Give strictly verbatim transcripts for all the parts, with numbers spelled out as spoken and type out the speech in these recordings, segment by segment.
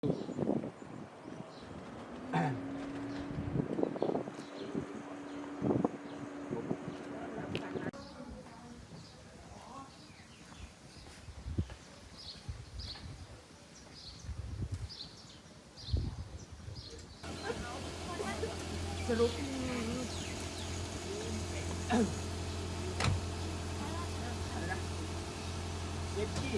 สรุปเย็ดที่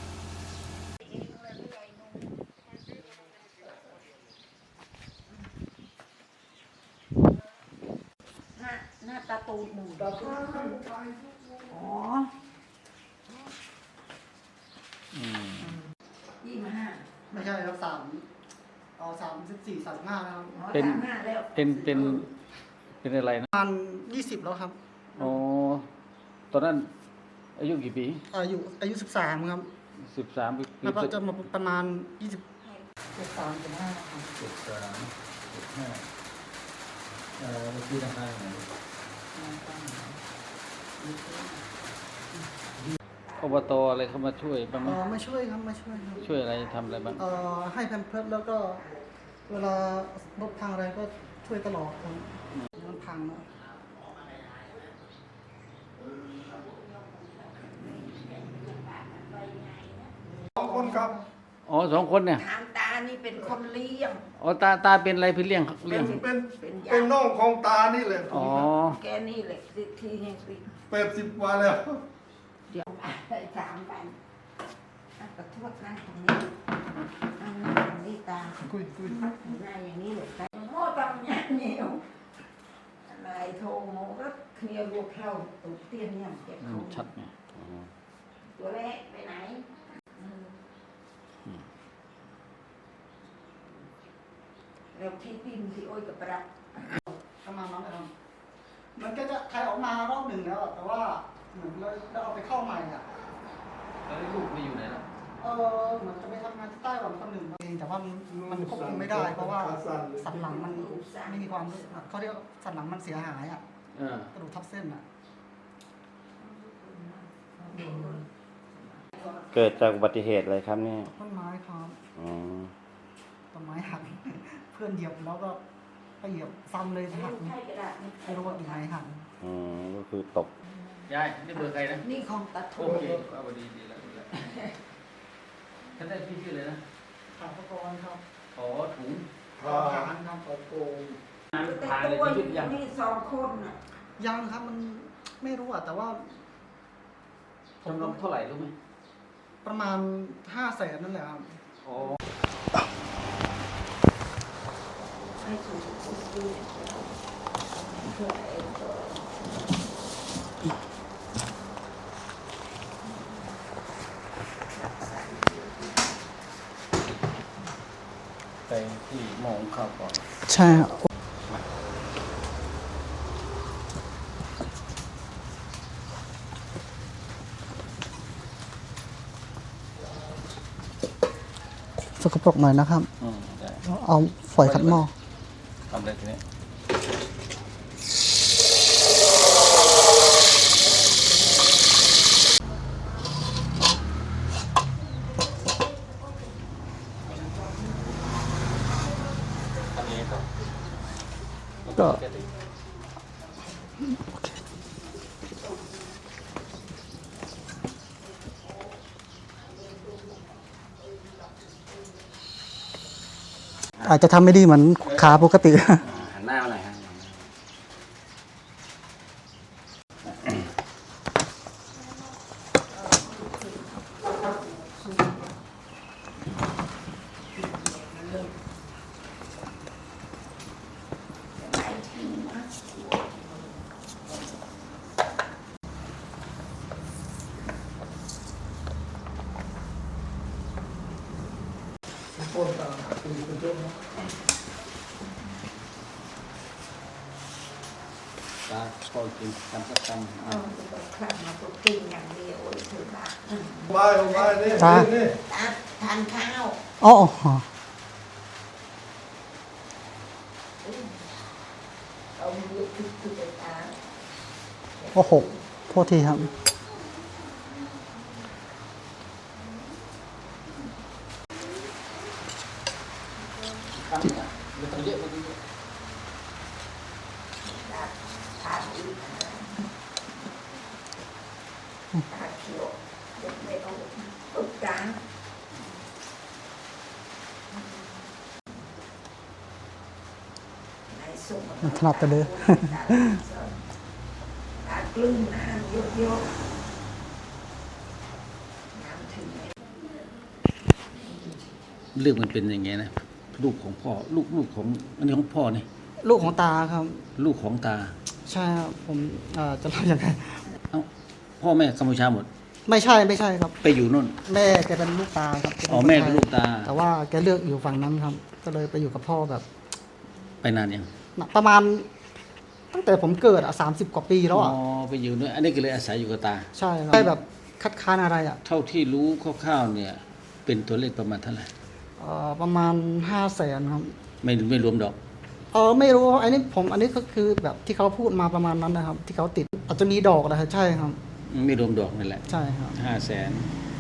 หน้าหน้าตาตูหนึ่งตาตูอ๋อยี่สิบห้าไม่ใช่ครับสามเอาสามสิบสี่สามห้านะครับเป็นเป็นเป็นเป็นอะไรนะประมาณยี่สิบแล้วครับอ๋อตอนนั้นอายุกี่ปีอายุอายุสิบสามครับสิบสามปีแล้วก็จะมาประมาณยี่สิบเจ็ดสามเจ็ดห้าครับเจ็ดสามเจ็ดห้าเอ่อที่ทำงานไหนอบตอะไรเข้ามาช่วยบ้างไหมอ๋อไม่ช่วยครับไม่ช่วยครับช่วยอะไรทำอะไรบ้างเอ่อให้แพมเพิร์สแล้วก็เวลารถพังอะไรก็ช่วยตลอดครับมันพังนะสองคนครับอ๋อสองคนเนี่ยทางตานี่เป็นคนเลี้ยงอ๋อตาตาเป็นอะไรพี่เลี้ยงเลี้ยงเป็นเป็นน้องของตานี่แหละอ๋อแกนี่แหละที่ให้สิแปดสิบกว่าแล้วเดี๋ยวไปถามกันกระทวดนั่งตรงนี้นั่งตรงนี้ตาคุยคุยหน้าอย่างนี้เลยแต่โม่ต้องยันเหนียวนายโทโมก็เคลียร์ลูกเข้าตุกเตี้ยนเนี่ยเก็บเขาชัดไงตัวเล็กไปไหนแล้วที่ดินที่โอ้ยกับปลาประมาณนั้นครับมันก็จะใครออกมารอบหนึ่งแล้วแต่ว่าเหมือนเราเอาไปเข้าใหม่อ่ะแล้วลูกไปอยู่ไหนล่ะเออเหมือนจะไปทำงานที่ไต้หวันคนหนึ่งเองแต่ว่ามันควบคุมไม่ได้เพราะว่าสันหลังมันไม่มีความเขาเรียกสันหลังมันเสียหายอ่ะกระดูกทับเส้นอ่ะเกิดจากอุบัติเหตุอะไรครับเนี่ยต้นไม้ครับอ๋อต้นไม้หักเพื่อนเหยียบแล้วก็ไปเหยียบซ้ำเลยหักไม่รู้ว่ายังไงหักอ๋อก็คือตกยายนี่เบอร์ใครนะนี่ของตาทูโอเคเอาดีดีแล้วดีแล้วท่านได้พี่ชื่อเลยนะขาพกรครับขอถุงขาฐานครับขอโกงผ่านเลยที่ยังนี่สองคนน่ะยังครับมันไม่รู้อ่ะแต่ว่าจำนวนเท่าไหร่รู้ไหมประมาณห้าแสนนั่นแหละครับอ๋อให้สูงสุดดีเพื่อเองก็ไปที่หมองข้าวก่อนใช่ครับสกปรกหน่อยนะครับเอาฝอยขัดหม้อทำอะไรทีนี้ก็อาจจะทำไม่ดีเหมือนขาปกติหันหน้ามาหน่อยครับคนตาคุณเป็นเจ้าเนาะตาคอยกินทำสักคำอ๋อครั้งมาก็กินอย่างเดียวถือบ้าบายบายนี่นี่ทานข้าวอ๋อเอามือคือคือไปตาโอ้โหโทษทีครับทำอ่ะมันต้องเยอะมันต้องเยอะทานอีกตาเขียวเด็กไม่เอาตุกจางในสุกถนัดแต่เด้อตากลืนน้ำเยอะๆน้ำถึงเรื่องมันเป็นอย่างไงนะลูกของพ่อลูกลูกของอันนี้ของพ่อนี่ลูกของตาครับลูกของตาใช่ครับผมเอ่อจะเล่ายังไงเอ้าพ่อแม่กัมพูชาหมดไม่ใช่ไม่ใช่ครับไปอยู่นู่นแม่แกเป็นลูกตาครับอ๋อแม่เป็นลูกตาแต่ว่าแกเลือกอยู่ฝั่งนั้นครับ ก็เลยไปอยู่กับพ่อแบบไปนานยังประมาณตั้งแต่ผมเกิดอ่ะสามสิบกว่าปีแล้วอ่ะอ๋อไปอยู่นู่นอันนี้ก็เลยอาศัยอยู่กับตาใช่ครับไม่แบบคัดค้านอะไรอ่ะเท่าที่รู้คร่าวๆเนี่ย เป็นตัวเลขประมาณเท่าไหร่เอ่อประมาณห้าแสนครับไม่ไม่รวมดอกเออไม่รู้อันนี้ผมอันนี้ก็คือแบบที่เขาพูดมาประมาณนั้นนะครับ ที่เขาติดอาจจะมีดอกนะครับใช่ครับไม่รวมดอกนั่นแหละใช่ครับห้าแสน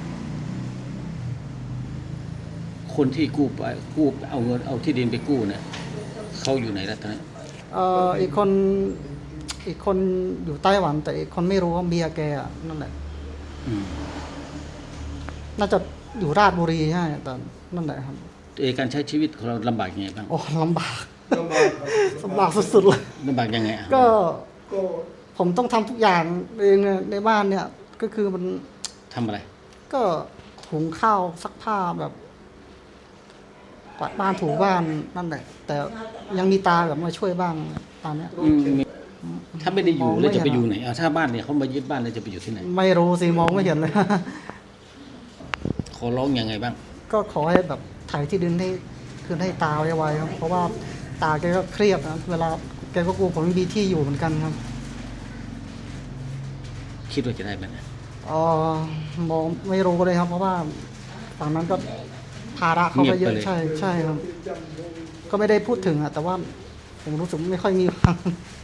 คนที่กู้ไปกู้เอาเงินเอาที่ดินไปกู้เนี่ยเขาอยู่ไหนแล้วตอนนี้เอ่ออีกคนอีกคนอยู่ไต้หวัน แต่อีกคนไม่รู้ว่าเมียแกอะนั่นแหละอืมน่าจะอยู่ราชบุรีใช่แต่นั่นแหละครับเออการใช้ชีวิตของเราลำบากยังไงบ้างโอ้ลำบากลำบากครับลำบากสุดๆเลยลำบากยังไงอ่ะก็ก็ผมต้องทำทุกอย่างเองเนี่ยในบ้านเนี่ย ก็คือมันทำอะไรก็หุงข้าวซักผ้าแบบกวาดบ้านถูบ้านนั่นแหละ แต่ยังมีตาแบบมาช่วยบ้างตอนเนี้ยอืมมีถ้าไม่ได้อยู่มองไม่แล้วจะไปเห็นอยู่ไหนเอาถ้าบ้านเนี่ยเขามายึดบ้านแล้วจะไปอยู่ที่ไหนไม่รู้สิมองไม่เห็นเลยขอร้องยังไงบ้างก็ขอให้แบบถ่ายที่ดินให้คืนให้ตาไวๆครับเพราะว่าตาแกก็เครียดนะเวลาแกก็กลัวผมไม่มีที่อยู่เหมือนกันครับคิดว่าจะได้ไหมเนี่ยเออมองไม่รู้เลยครับ เพราะว่าฝั่งนั้นก็ภาระเขาก็เยอะใช่ใช่ครับ ก็ไม่ได้พูดถึงอะแต่ว่าผมรู้สึกไม่ค่อยมีฟัง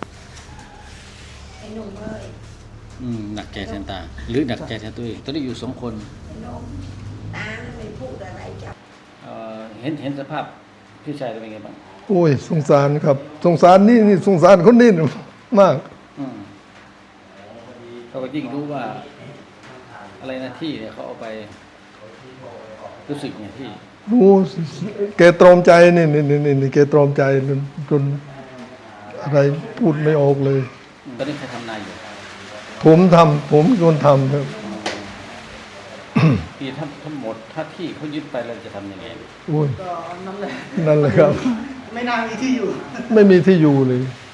ไอ้หนุ่มเอ้ยอืมหนักใจแทนตา หรือหนักใจแทนตัวเองตอนนี้อยู่สองคนไอ้หนุ่มตาไม่พูดอะไรจับเอ่อเห็นเห็นสภาพพี่ชายเป็นไงบ้างโอ้ยสงสารครับ สงสารนี่นี่สงสารคนนี้น่ะมากอืมเขาก็ยิ่งรู้ว่า อะไรนะที่เนี่ยเขาเอาไปรู้สึกไงที่รู้แกตรอมใจนี่นี่นี่นี่นี่แกตรอมใจจนจนอะไรพูดไม่ออกเลยตอนนี้ใครทำนายอยู่ผมทำผมเป็นคนทำครับพี่ถ้าทั้งหมดถ้าที่เขายึดไปเราจะทำยังไงโอ้ยก็นั่นแหละนั่นแหละครับไม่น่ามีที่อยู่ไม่มีที่อยู่เลยไ